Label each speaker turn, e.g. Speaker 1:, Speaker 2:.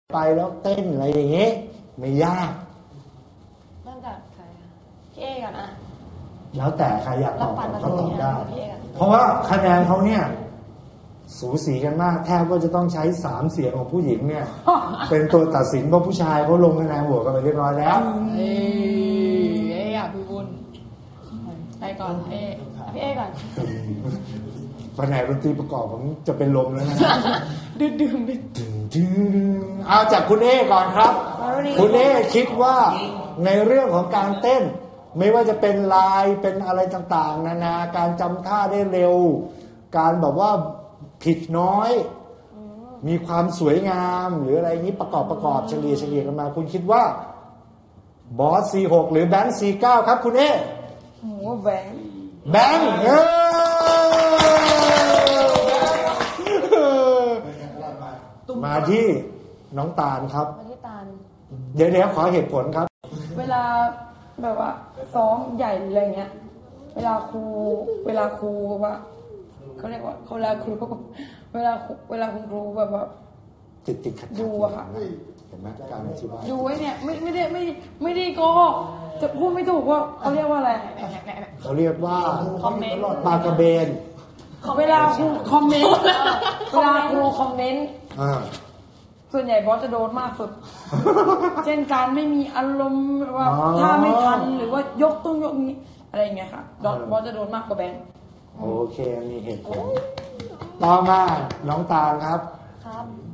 Speaker 1: ไปแล้วเต้นอะไรอย่างเงี้ยไม่ยาก
Speaker 2: เริ่มจากใครพี่เอก่อนอะ
Speaker 1: แล้วแต่ใครอยากตอบก็ตอบได้
Speaker 2: พี่เอก่อน
Speaker 1: เพราะว่าคะแนนเขาเนี่ยสูสีกันมากแทบว่าจะต้องใช้3เสียงของผู้หญิงเนี่ย เป็นตัวตัดสินเพราะผู้ชายเขาลงคะแนนโหวตกันไปเรียบร้อยแล้ว
Speaker 2: เออยากพี่บุญไปก่อนพี่เอก่อน
Speaker 1: แผนกดนตรีประกอบผมจะเป็นลมแล้วนะ
Speaker 2: ดื่ม
Speaker 1: เอาจากคุณเอก่อนครับคุณเอคิดว่าในเรื่องของการเต้นไม่ว่าจะเป็นลายเป็นอะไรต่างๆนานาการจำท่าได้เร็วการแบบว่าผิดน้อยมีความสวยงามหรืออะไรนี้ประกอบเฉลี่ยกันมาคุณคิดว่าบอส C6 หรือแบงค์ C9 ครับคุณเอ
Speaker 2: โอ้แบงค์
Speaker 1: มาที่น้องตาลครับ
Speaker 2: มาที่ตาล
Speaker 1: เดี๋ยวขอเหตุผลครับ
Speaker 2: เวลาแบบว่าซ้อมใหญ่อะไรเงี้ยเวลาครูว่าเขาเรียกว่าเวลาคุณครูแบบว่า
Speaker 1: ติดขัด
Speaker 2: ดูอะค่ะ
Speaker 1: เห็นไหมการอธิบาย
Speaker 2: ดูไว้เนี่ยไม่ได้โกหกจะพูดไม่ถูกว่าเขาเรียกว่าอะไร
Speaker 1: เขาเรียกว่า
Speaker 2: คอมเมนต์
Speaker 1: ปากกระเบน
Speaker 2: เวลาครูคอมเมนต์ส่วนใหญ่บอสจะโดนมากสุดเช่นการไม่มีอารมณ์ว่าถ้าไม่ทันหรือว่ายกนี้อะไรอย่างเงี้ยค่ะบอสจะโดนมากกว่าแบงค์
Speaker 1: โอเคมีเหตุผลต่อมาน้องตาลครับ